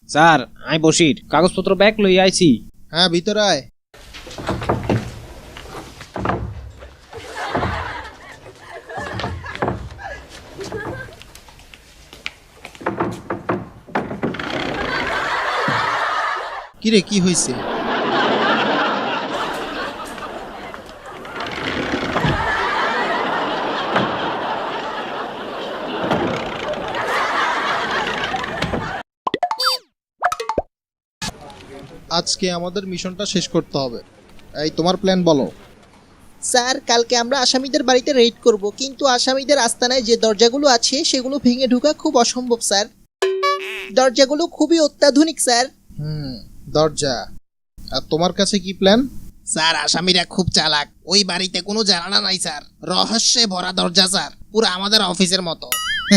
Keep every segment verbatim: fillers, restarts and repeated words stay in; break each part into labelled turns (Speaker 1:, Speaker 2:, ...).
Speaker 1: Sir I Basir কাগজপত্র bag লই আইছি।
Speaker 2: হ্যাঁ ভিতরে আয়। কিরে কি হয়েছে? আজকে আমাদের মিশনটা শেষ করতে হবে। এই তোমার প্ল্যান বলো।
Speaker 3: স্যার কালকে আমরা আসামিদের বাড়িতে রেড করব, কিন্তু আসামিদের আস্তানায় যে দরজাগুলো আছে সেগুলো ভেঙে ঢোকা খুব অসম্ভব স্যার। দরজাগুলো খুবই অত্যাধুনিক স্যার।
Speaker 2: হুম, দরজা। আর তোমার কাছে কি প্ল্যান?
Speaker 4: স্যার আসামিরা খুব চালাক, ওই বাড়িতে কোনো জানালা নাই স্যার, রহস্যে ভরা দরজা স্যার, পুরো আমাদের অফিসের মতো।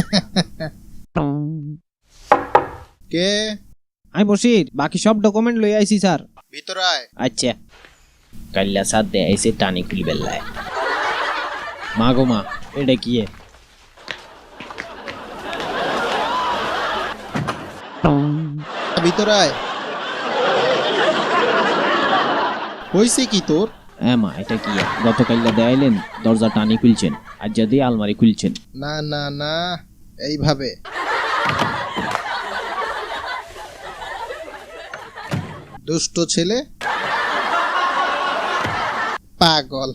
Speaker 2: কে?
Speaker 1: আই বসির বাকি সব ডকুমেন্ট লই আইছি স্যার।
Speaker 2: ভিতরে আয়।
Speaker 1: আচ্ছা কাল্লা সাথ দে আইছে টানি খুলি বেল্লায়। মা গো মা এটা কি এ?
Speaker 2: ভিতরে আয়। হইছে কি তোর?
Speaker 1: হ্যাঁ মা এটা কি এ? গতকাল্লা দেয়াইলেন দরজা টানি খুলছেন, আজ যদি আলমারি খুলছেন।
Speaker 2: না না না, এইভাবে। দুষ্ট ছেলে, পাগল।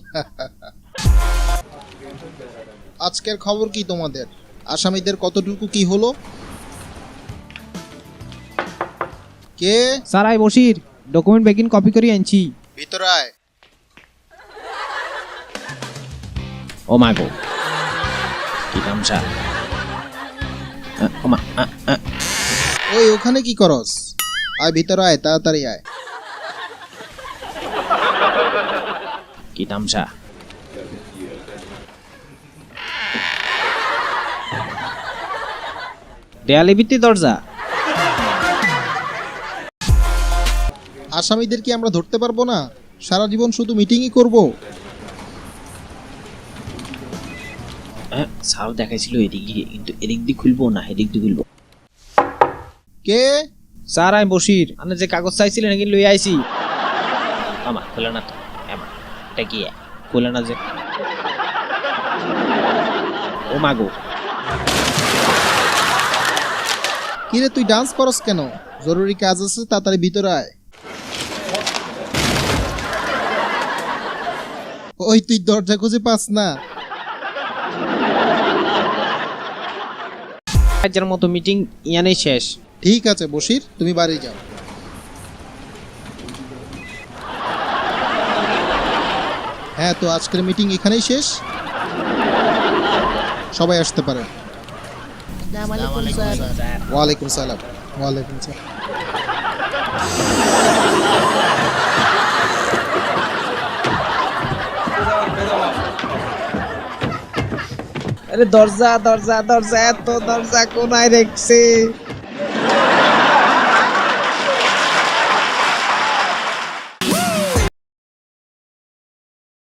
Speaker 2: আজকের খবর কি তোমাদের? আসামিদের কতটুকু কি হলো? কে?
Speaker 1: স্যার আই বসির ডকুমেন্ট বেগিন কপি করে আনছি।
Speaker 2: ভিতরে আয়।
Speaker 1: ও মা গো কি তামসা। আ, ও মা আ, আ।
Speaker 2: ওই ওখানে কি করস? আয় ভিতরে আয়, তাড়াতাড়ি আয়।
Speaker 1: কি তামসা। দেয়ালে ভিত্তি দরজা।
Speaker 2: আসামিদের কি আমরা ধরতে পারবো না? সারা জীবন শুধু মিটিংই করব।
Speaker 1: হ্যাঁ স্যার দেখাইছিল এদিক দিয়ে, কিন্তু এদিক দিয়ে খুলবো না এদিক দিয়ে খুলবো।
Speaker 2: কে?
Speaker 1: স্যার আই বসির আপনি যে কাগজ চাইছিলেন নাকি লই আইছি। আমা খোলা না তো। আমা এটা কি খোলা না যে। ও মা গো
Speaker 2: কিরে তুই ডান্স করস কেন? জরুরি কাজ আছে, তাড়াতাড়ি ভিতরে আয়। ওই তুই দরজা খুঁজে পাস না?
Speaker 1: আজকের মতো মিটিং ইয়ানেই শেষ।
Speaker 2: ঠিক আছে বশির, তুমি বাড়ি যাও। হ্যাঁ তো আজকের মিটিং এখানেই শেষ, সবাই আসতে পারেন।
Speaker 3: আসসালামু আলাইকুম স্যার।
Speaker 2: ওয়ালাইকুম সালাম। ওয়ালাইকুম সালাম।
Speaker 1: আরে দরজা দরজা দরজা এত দরজা কোনায় রেখছে।